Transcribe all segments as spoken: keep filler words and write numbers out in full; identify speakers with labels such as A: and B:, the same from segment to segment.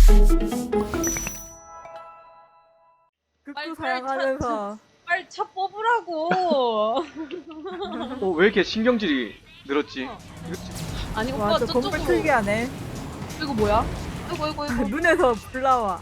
A: 극구 사양하면서
B: 빨리 차 뽑으라고.
C: 어, 왜 이렇게 신경질이 늘었지?
B: 어.
C: 이거 지-
B: 아니 오빠
A: 와저
B: 저쪽으로.
A: 건물 특이하네.
B: 이거 뭐야? 이거 이거 이거.
A: 눈에서 불 나와.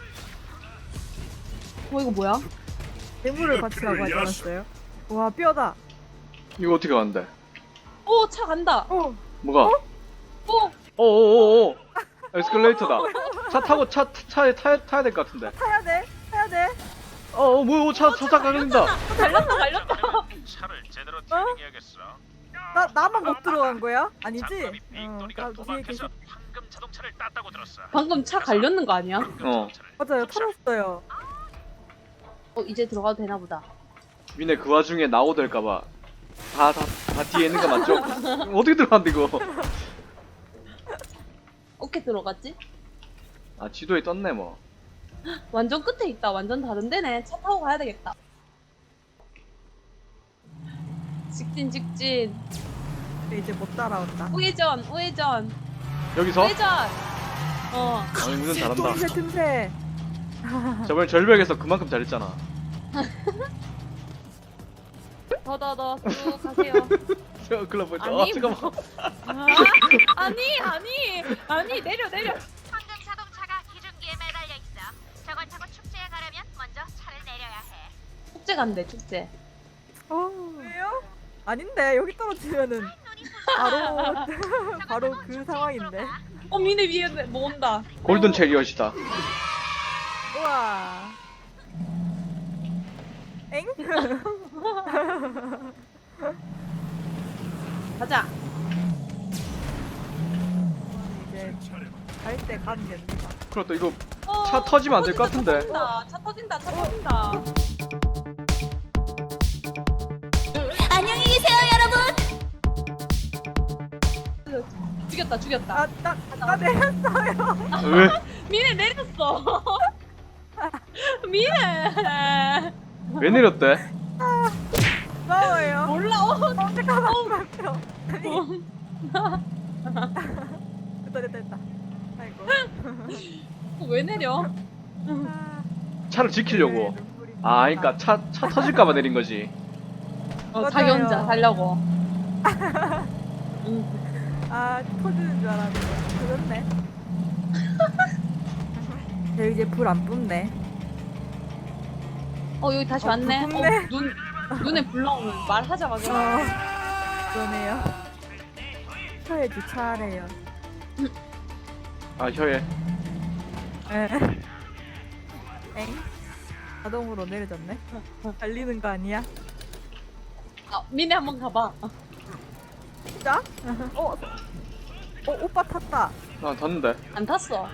B: 어 이거 뭐야?
A: 괴물을 같이 가고 하지 않았어요? 와 뼈다.
C: 이거 어떻게 가는데?
B: 오 차 간다.
A: 어
C: 뭐가?
B: 오
C: 어어어어 에스컬레이터다. 차 타고 차 차에 타야 타야 될 것 같은데.
A: 타야 돼 타야 돼.
C: 어어 뭐야 차차차 가린다.
B: 달렸다 달렸다.
D: 차를 제대로 튜닝해야겠어.
A: 나 나만 못 들어간 거야? 아니지?
D: 장갑이
A: 어,
D: 빅토리가
A: 나 뒤에 계시.
D: 도박해서 황금 자동차를 땄다고 들었어.
B: 방금 차 갈렸는 거 아니야?
D: 황금
C: 어.
D: 자동차를
A: 맞아요
D: 탑차.
A: 털었어요.
B: 어 이제 들어가도 되나 보다.
C: 미네 그 와중에 나오될까봐 다 다 다 뒤에 있는 거 맞죠? 어떻게 들어갔는데 이거?
B: 어떻게 들어갔지?
C: 아 지도에 떴네 뭐.
B: 완전 끝에 있다. 완전 다른 데네. 차 타고 가야 되겠다. 직진 직진.
A: 근데 이제 못 따라온다.
B: 우회전 우회전
C: 여기서?
B: 우회전. 어.
C: 아니 무슨 잘한다.
A: 틈새 틈새.
C: 저번에 절벽에서 그만큼 잘했잖아.
B: 더 더 더 쭉 가세요.
C: 저 클럽 보자.
B: 아니,
C: 아 잠깐만.
B: 아, 아니 아니 아니 내려 내려.
E: 황금 자동차가 기준기에 매달려 있어. 저걸 타고 축제에 가려면 먼저 차를 내려야 해.
B: 축제 간대 축제.
A: 어 왜요? 아닌데 여기 떨어지면은 바로 바로 그 상황인데.
B: 어 미네 위에 뭐 온다.
C: 골든 체리엇이다.
A: 우와. 엥?
B: 가자.
A: 이제 갈 때 가면 됩니다.
C: 그렇다 이거
B: 어,
C: 차 터지면 안 될 것
B: 터진다,
C: 같은데.
B: 차 터진다 차 터진다 차 터진다.
E: 안녕히 계세요, 여러분.
B: 죽였다 죽였다.
A: 아나나 내렸어요.
C: 왜?
B: 미네 내렸어. 미네.
C: 왜 내렸대?
A: 고마워요.
B: 몰라. 어,
A: 잠깐만 잠깐만. 아니 됐다 됐다 됐다. 아이고.
B: 왜 내려?
A: 아,
C: 차를 지키려고.
A: 네, 눈물이
C: 아
A: 납니다.
C: 그러니까 차 차 터질까봐 내린 거지.
B: 어, 자기
A: 맞아요.
B: 혼자 살려고. 응.
A: 아 터지는 줄 알았는데 터졌네. 저 이제 불 안 뿜네.
B: 어 여기 다시
A: 어,
B: 왔네.
A: 불 뿜네.
B: 어, 눈 눈에 불 나오면 말하자마자.
A: 어 그러네요. 혀에 주차하래요.
C: 아 혀에.
A: 에. 엥? 자동으로 내려졌네. 달리는 거 아니야?
B: 아, 미네 한번 가봐.
A: 진짜? 어, 어 오빠 탔다.
C: 아 탔는데.
B: 안 탔어.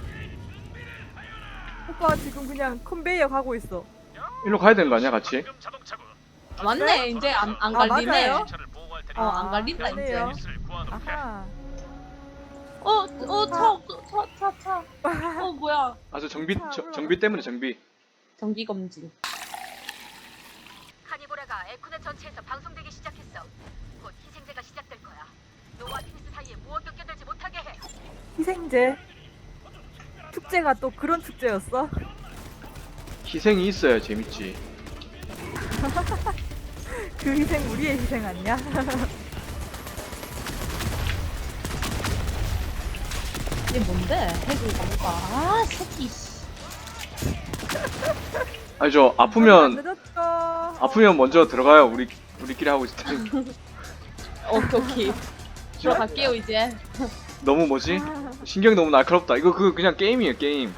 A: 오빠 지금 그냥 컨베이어 가고 있어.
C: 일로 가야 되는 거 아니야 같이?
D: 황금 자동차고.
B: 맞네. 이제 안 안
A: 아,
B: 갈리네.
A: 맞아요?
D: 차를 보호할 테니
B: 어, 안 갈린다, 이제.
A: 그러네요.
D: 서비스를 구워놓게.
A: 아하.
B: 어, 어, 차 없어. 차, 차, 차. 어, 뭐야?
C: 아 저 정비 저, 정비 때문에 정비.
B: 정기 검진.
E: 카니보라가 에코넷 전체에서 방송되기 시작했어. 곧 희생제가 시작될 거야. 노와 피니스 사이에 무엇도 껴들지 못하게 해.
A: 희생제. 축제가 또 그런 축제였어?
C: 희생이 있어야 재밌지.
A: 그 희생 우리의 희생 아니야?
B: 이게 뭔데? 해주가 뭔가. 아, 새끼. 씨.
C: 아니 저 아프면
A: 늦었죠.
C: 아프면 먼저 들어가요. 우리 우리끼리 하고 있을 때.
B: 오케이, 오케이. 들어갈게요, 이제.
C: 너무 뭐지? 신경이 너무 날카롭다. 이거 그 그냥 게임이에요 게임.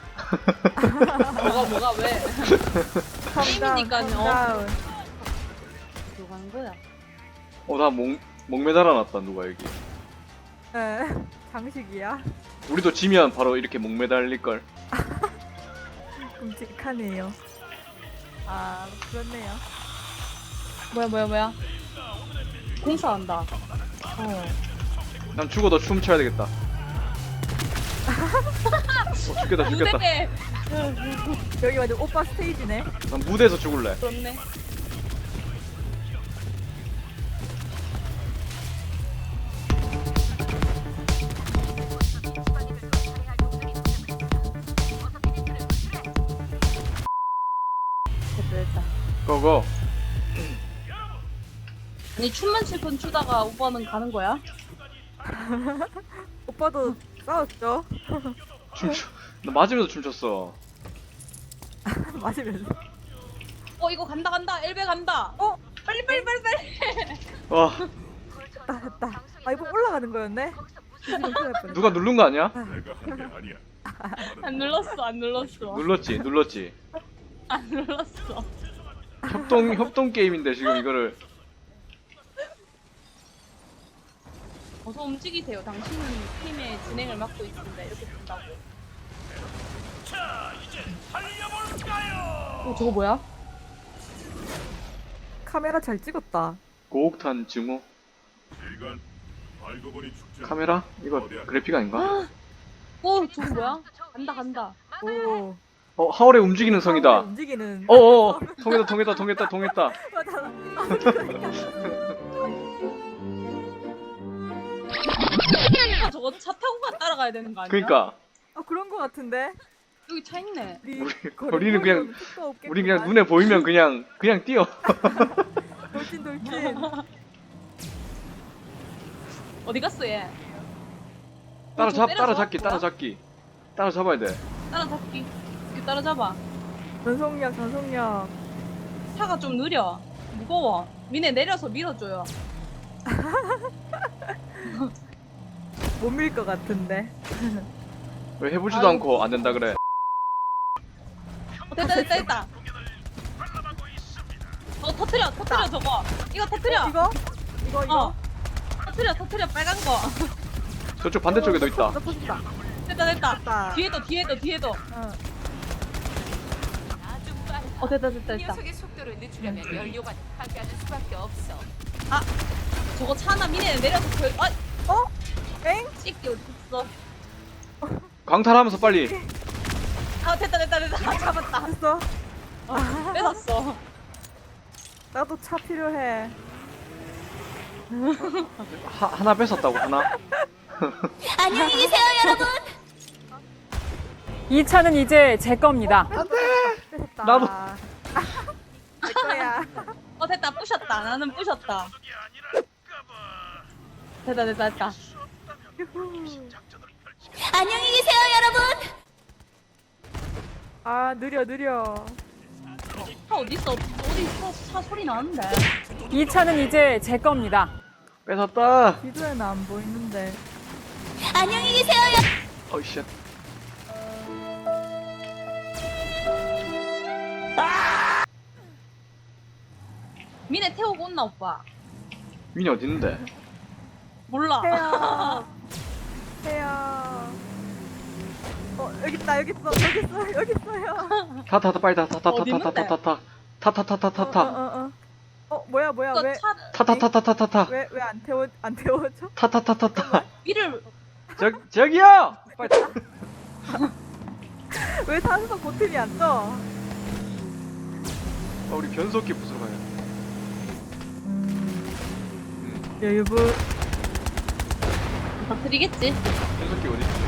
B: 뭐가, 뭐가, 왜? 게임이니까요.
A: calm
B: 들어가는 거야.
C: 어나목 목매달아 놨다 누가 여기.
A: 에, 장식이야.
C: 우리도 지면 바로 이렇게 목매달릴 걸.
A: 끔찍하네요. 아, 그렇네요.
B: 뭐야, 뭐야, 뭐야. 공사한다. 어.
C: 난 죽어도 춤 춰야 되겠다. 어, 죽겠다 죽겠다.
B: 무대에.
A: 여기 완전 오빠 스테이지네.
C: 난 무대에서 죽을래.
B: 그렇네.
C: 고고.
B: 아니 춤만 실컷 추다가 오빠는 가는 거야?
A: 오빠도 싸웠죠?
C: 춤춰. 나 맞으면서 춤췄어.
A: 맞으면서.
B: 어 이거 간다 간다 엘베 간다.
A: 어?
B: 빨리 빨리 빨리 빨리.
C: 와,
A: 됐다 됐다. 아 이거 올라가는 거였네?
E: 거기서 무슨
A: 지금 큰일 날 뻔했다.
C: 누가 누른 거 아니야?
D: 내가 한 게 아니야.
B: 안 눌렀어 안 눌렀어
C: 눌렀지, 눌렀지.
B: 안 눌렀어.
C: 협동 협동 게임인데 지금 이거를.
B: 어서 움직이세요. 당신은 팀의 진행을 맡고 있습니다. 이렇게 된다고.
D: 자, 이제 달려볼까요?
B: 어 저거 뭐야?
A: 카메라 잘 찍었다.
C: 고옥탄 증오.
D: 이건 알고 보니 축제.
C: 카메라? 이거 그래픽 아닌가?
B: 어 저거 뭐야? 간다 간다.
A: 오.
C: 어, 하울의 움직이는 성이다.
A: 움직이는.
C: 어어, 통했다, 통했다, 통했다, 통했다.
A: 맞아.
B: 아, 저거 차 타고 가 따라가야 되는 거 아니야?
C: 그러니까
A: 아 그런 거 같은데.
B: 여기 차 있네.
A: 우리
C: 우리- 우리는 그냥-
A: 속도 없겠구만.
C: 우리 그냥 눈에 보이면 그냥 그냥 뛰어.
A: 돌진 돌진.
B: 어디 갔어 얘?
C: 따라잡,
B: 때려서?
C: 따라잡기,
B: 뭐야?
C: 따라잡기. 따라잡아야 돼.
B: 따라잡기. 이렇게 따라잡아.
A: 전속력 전속력.
B: 차가 좀 느려. 무거워. 미네 내려서 밀어줘요.
A: 못 밀 것 같은데.
C: 왜 해보지도
B: 아유.
C: 않고 안 된다 그래.
B: 어, 됐다 됐다 됐다. 저거 터트려 터트려 저거. 이거 터트려.
A: 이거? 이거 이거.
B: 어. 터트려 터트려 빨간 거.
C: 저쪽 반대쪽에도 있다.
A: 나 터진다.
B: 됐다 됐다.
A: 됐다.
B: 뒤에도 뒤에도 뒤에도.
A: 어.
E: 아주 빠르다.
B: 어 됐다 됐다 됐다.
E: 녀석의 속도를 늦추려면 연료가 파괴하는 수밖에 없어.
B: 저거 차 하나 미네 내려서 그 아,
A: 어? 엥?
B: 찍기 어디 있어?
C: 광탈하면서 빨리.
B: 아 됐다 됐다 됐다. 아, 잡았다.
A: 됐어.
B: 뺏었어.
A: 나도 차 필요해.
C: 하, 하나 뺏었다고 하나.
E: 안녕히 계세요, 여러분.
F: 이 차는 이제 제 겁니다.
A: 뺏었다.
C: 나도.
A: 내 거야.
B: 어 됐다 부셨다. 나는 부셨다. 됐다 됐다 됐다.
A: 유후.
E: 안녕히 계세요, 여러분.
A: 아 느려 느려.
B: 차 어디 있어? 어디 차, 차 소리 나는데?
F: 이 차는 이제 제 겁니다.
C: 뺏었다.
A: 비디오에는 안 보이는데.
E: 안녕히 계세요, 여.
C: 어이 쉣.
B: 미네 태우고 온나 오빠?
C: 민이 어디 있는데?
B: 몰라.
A: 태야. 태야. 어 여기 있다 여기 있어 여기 있어 여기 있어요.
C: 타, 타, 타, 빨리 타, 타, 타, 타,
B: 어디
C: 타, 타, 타, 타, 타, 타, 타, 타, 타, 타,
A: 어, 어, 어. 어 뭐야 뭐야
B: 이거
A: 왜
B: 차
C: 타, 타, 타, 타, 타, 타, 타,
A: 왜 왜 안 태워 안 태워줘?
C: 타, 타, 타, 타, 타.
B: 위를
C: 저 저기요. 빨리.
A: 왜 산소 보탬이 안 떠?
C: 아, 우리 변속기 부수러 가요.
A: 음. 여유부.
B: 다 드리겠지.
C: 변속기 어디 있지?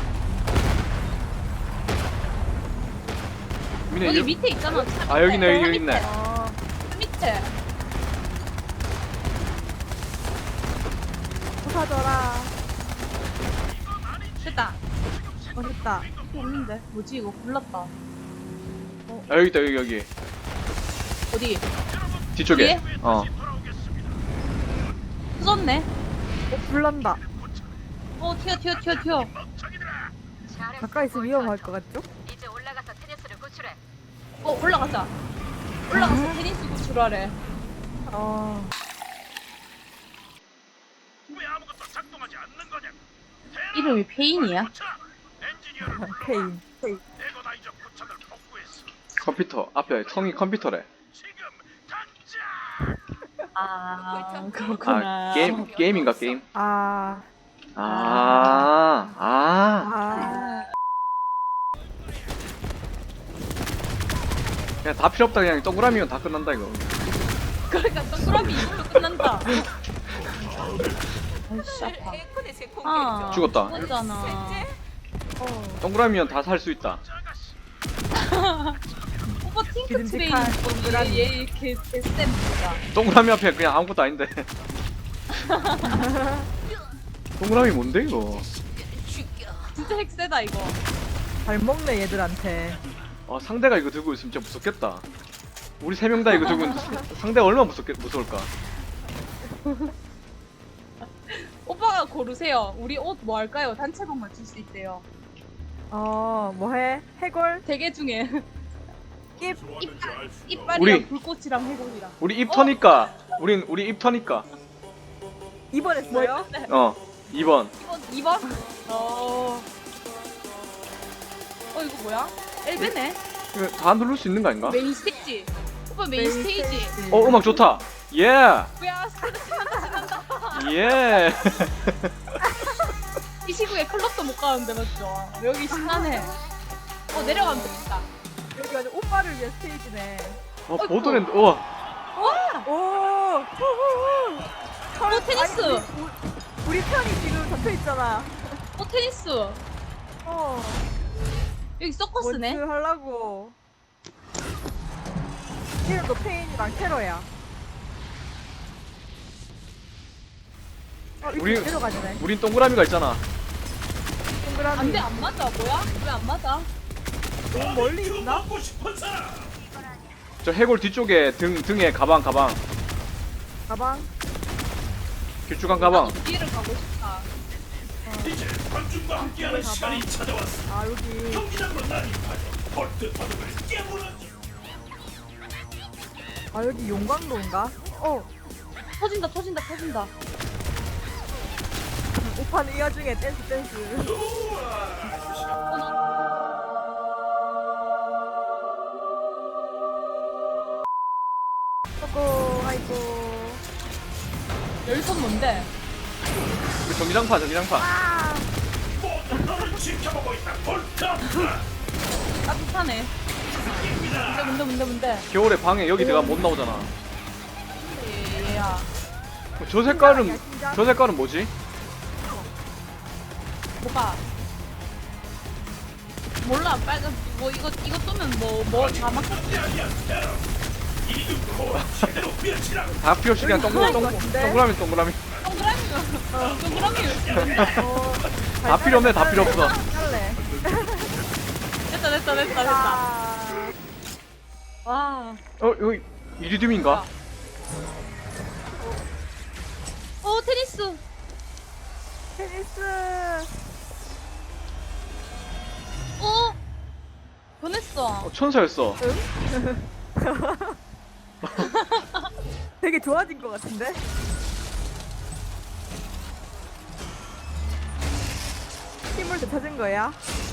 C: 민이
B: 여기
C: 여-
B: 밑에 있잖아. 차
C: 아, 여기 있네,
B: 밑에.
C: 여기, 여기 있네.
A: 어.
B: 차 밑에.
A: 부사져라.
B: 됐다.
A: 멋있다.
B: 이거 없는데. 뭐지 이거 불났다.
C: 아, 여기 있다, 여기, 여기.
B: 어디?
C: 뒤쪽에.
B: 뒤에?
C: 어.
B: 부쉈네.
A: 어 불난다.
B: 어 튀어 튀어 튀어 튀어.
E: 잘했어,
A: 가까이 있으면 위험할 것 같죠?
E: 이제 올라가서 테니스를 구출해.
B: 어 올라가자. 올라가서 테니스 구출하래.
A: 어.
D: 왜 아무것도 작동하지 않는 거냐?
B: 이름이 페인이야?
D: 엔지니어를 불러.
A: 페인. 페인.
D: 에고나이저 부착을 복구했어.
C: 컴퓨터 앞에 성이 컴퓨터래.
D: 지금 당장.
B: 아 그렇구나.
C: 아, 게임 게임인가 게임?
A: 아.
C: 아, 아.
A: 아.
C: 그냥 다 필요 없다. 그냥 동그라미면 다 끝난다 이거.
B: 그러니까 동그라미 이걸로 끝난다. 아이씨 아파.
E: 에코넷의
B: 아,
C: 죽었다.
B: 죽었잖아.
A: 어.
C: 동그라미면 다 살 수 있다.
B: 오빠 오빠 팅크 트레인
A: 기름직한 동그라미.
B: 얘얘 개쌤입니다.
C: 동그라미 앞에 그냥 아무것도 아닌데. 동그라미 뭔데 이거?
B: 진짜 핵세다 이거.
A: 잘 먹네 얘들한테.
C: 아 상대가 이거 들고 있으면 진짜 무섭겠다. 우리 세 명 다 이거 들고 있는데 상- 상대가 얼마나 무섭겠 무서울까?
B: 오빠가 고르세요. 우리 옷 뭐 할까요? 단체복 맞출 수 있대요.
A: 어 뭐해? 해골?
B: 대게 중에
A: 입.
B: 이빨, 이빨이랑
C: 우리-
B: 불꽃이랑 해골이랑.
C: 우리 입 터니까 우린 우리 입 터니까
A: 이번 했어요?
C: 어 이 번.
B: 이번 이 번? 어. 어 이거 뭐야? 엘베네.
C: 이거 다 누를 수 있는 거 아닌가?
B: 메인 스테이지. 오빠 메인, 스테이지.
C: 어 음악 좋다. 예.
B: 뭐야? 신난다 신난다.
C: 예.
B: 이 시국에 클럽도 못 가는데 맞죠? 여기 신나네. 어 내려가면 되겠다.
A: 여기 완전 오빠를 위한 스테이지네.
C: 어 보드랜드. 우와.
A: 오. 후후후.
B: 어 테니스.
A: 아니, 우리, 우리 편이 지금 잡혀 있잖아.
B: 어 테니스.
A: 어.
B: 여기 서커스네.
A: 원투 하려고. 이름도 페인이랑 테러야. 어,
C: 우리-
A: 우리 내려가지네.
C: 우린 동그라미가 있잖아.
A: 동그라미.
B: 안돼 안 맞아. 뭐야? 왜 안 맞아?
A: 너무 멀리 있나?
D: 먹고 싶은 사람.
C: 저 해골 뒤쪽에 등 등에 가방 가방.
A: 가방.
C: 길쭉한 가방.
B: 나도 뒤를 가고 싶다.
D: 이제 관중과 함께하는
A: 가봐.
D: 시간이 찾아왔어.
A: 아 여기.
D: 경기장으로 난입하여 벌트 바둑을 깨물었지.
A: 아 여기 용광로인가? 어.
B: 터진다 터진다 터진다.
A: 오빠는 이 와중에 댄스 댄스. 아이고 아이고.
B: 열선 뭔데?
C: 우리 전기장판 전기장판.
A: 아.
D: 모두 너를 지켜보고 있다. 벌트.
B: 따뜻하네. 뭔데 뭔데 뭔데 뭔데?
C: 겨울에 방에 여기 내가 못 나오잖아.
B: 예, 얘야.
C: 저 색깔은
A: 신기하냐, 신기하냐?
C: 저 색깔은 뭐지?
B: 뭐가? 몰라 빨간 뭐 이거 이거 쏘면 뭐뭐다 막혔지.
D: 이등코 제대로 휘어치라.
C: 다 필요 없이 그냥 동그라미 동,
A: 같은데?
C: 동그라미 동그라미.
B: 동그라미가 동그라미.
A: 어.
C: 다 필요 없네 다 필요 없어.
A: 할래.
B: 됐다 됐다 됐다 됐다.
A: 아.
B: 와.
C: 어 여기 이리듐인가?
B: 어 테니스.
A: 테니스.
B: 어. 보냈어.
C: 어, 천사였어.
A: 되게 좋아진 것 같은데? 힘을 되찾은 거야?